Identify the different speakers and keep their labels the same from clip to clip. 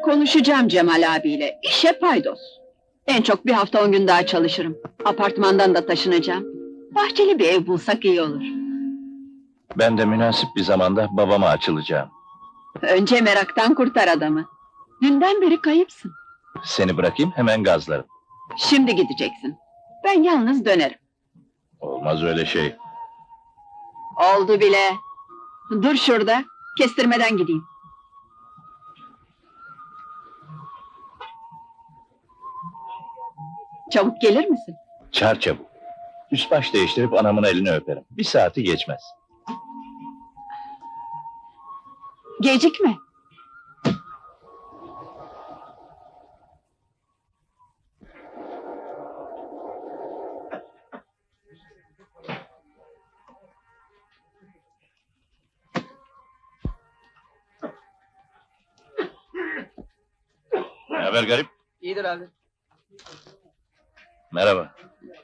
Speaker 1: Konuşacağım Cemal abiyle, işe paydos. En çok bir hafta 10 gün daha çalışırım. Apartmandan da taşınacağım. Bahçeli bir ev bulsak iyi olur.
Speaker 2: Ben de münasip bir zamanda babama açılacağım.
Speaker 1: Önce meraktan kurtar adamı. Dünden beri kayıpsın.
Speaker 2: Seni bırakayım, hemen gazlarım.
Speaker 1: Şimdi gideceksin. Ben yalnız dönerim.
Speaker 2: Olmaz öyle şey.
Speaker 1: Oldu bile. Dur şurada, kestirmeden gideyim. Çabuk gelir misin?
Speaker 2: Çar çabuk. Üst baş değiştirip anamın elini öperim. Bir saati geçmez.
Speaker 1: Gecikme.
Speaker 2: Ne haber garip?
Speaker 3: İyidir abi.
Speaker 2: Merhaba.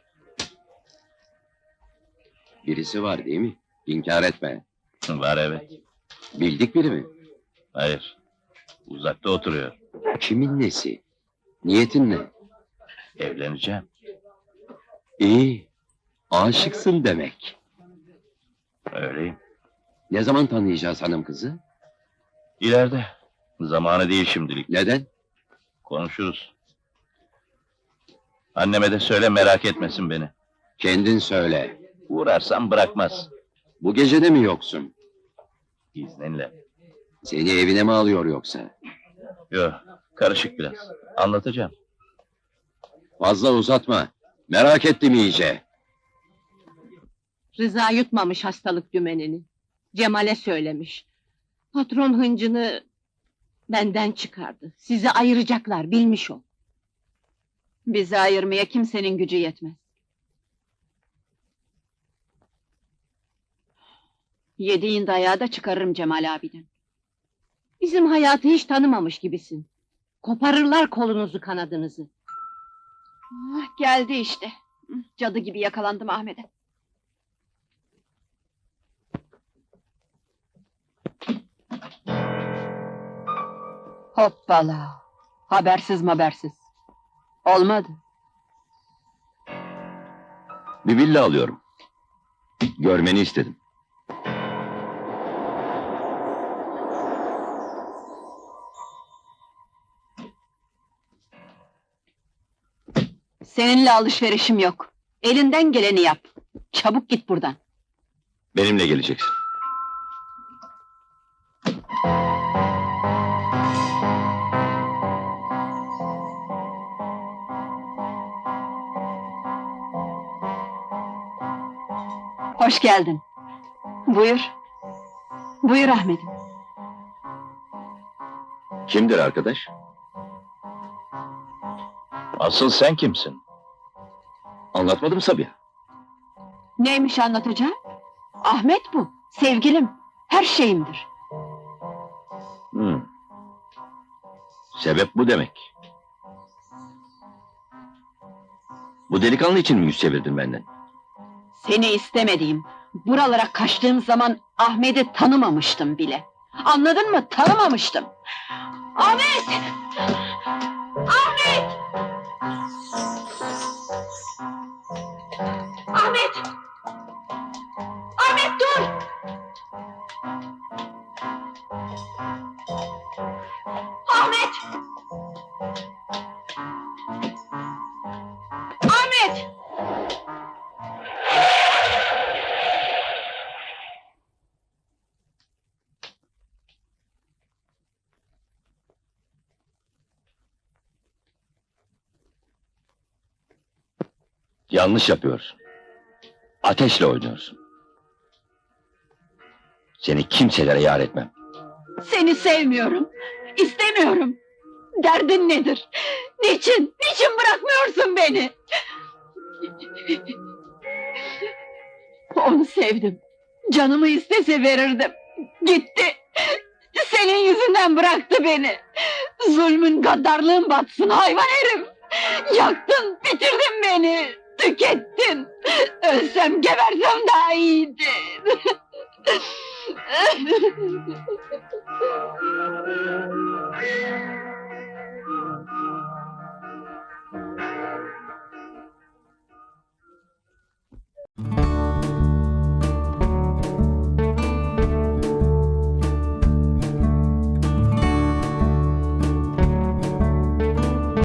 Speaker 4: Birisi var değil mi? İnkar etme.
Speaker 2: Var evet.
Speaker 4: Bildik biri mi?
Speaker 2: Hayır. Uzakta oturuyor.
Speaker 4: Kimin nesi? Niyetin ne?
Speaker 2: Evleneceğim.
Speaker 4: İyi. Aşıksın demek.
Speaker 2: Öyleyim.
Speaker 4: Ne zaman tanıyacağız hanım kızı?
Speaker 2: İleride. Zamanı değil şimdilik.
Speaker 4: Neden?
Speaker 2: Konuşuruz. Anneme de söyle, merak etmesin beni.
Speaker 4: Kendin söyle.
Speaker 2: Uğrarsam bırakmaz.
Speaker 4: Bu gece de mi yoksun?
Speaker 2: İzninle.
Speaker 4: Seni evine mi alıyor yoksa?
Speaker 2: Yok, karışık biraz. Anlatacağım.
Speaker 4: Fazla uzatma. Merak ettim iyice.
Speaker 5: Rıza yutmamış hastalık dümenini. Cemal'e söylemiş. Patron hıncını benden çıkardı. Sizi ayıracaklar, bilmiş ol.
Speaker 1: Bizi ayırmaya kimsenin gücü yetmez. Yediğin dayağı da çıkarırım Cemal abiden.
Speaker 5: Bizim hayatı hiç tanımamış gibisin. Koparırlar kolunuzu kanadınızı.
Speaker 1: Ah, geldi işte. Cadı gibi yakalandım Ahmet'e. Hoppala! Habersiz habersiz. Olmadı.
Speaker 4: Bir villa alıyorum. Görmeni istedim.
Speaker 1: Seninle alışverişim yok. Elinden geleni yap. Çabuk git buradan.
Speaker 4: Benimle geleceksin.
Speaker 1: Hoş geldin. Buyur. Buyur Ahmet'im.
Speaker 4: Kimdir arkadaş?
Speaker 2: Asıl sen kimsin?
Speaker 4: Anlatmadım Sabiha.
Speaker 1: Neymiş anlatacağım? Ahmet bu. Sevgilim. Her şeyimdir.
Speaker 4: Sebep bu demek. Bu delikanlı için mi yüz çevirdin benden?
Speaker 1: Seni istemediğim, buralara kaçtığım zaman Ahmet'i tanımamıştım bile. Anladın mı? Tanımamıştım. Ahmet! Ahmet! Ahmet! Ahmet dur! Ahmet! Ahmet!
Speaker 4: Yanlış yapıyorsun. Ateşle oynuyorsun. Seni kimselere yar etmem.
Speaker 1: Seni sevmiyorum. İstemiyorum. Derdin nedir? Niçin? Niçin bırakmıyorsun beni? Onu sevdim. Canımı istese verirdim. Gitti. Senin yüzünden bıraktı beni. Zulmün, gaddarlığın batsın hayvan herif. Yaktın, bitirdin beni. Tükettin. Ölsem, gebersem daha iyiydi.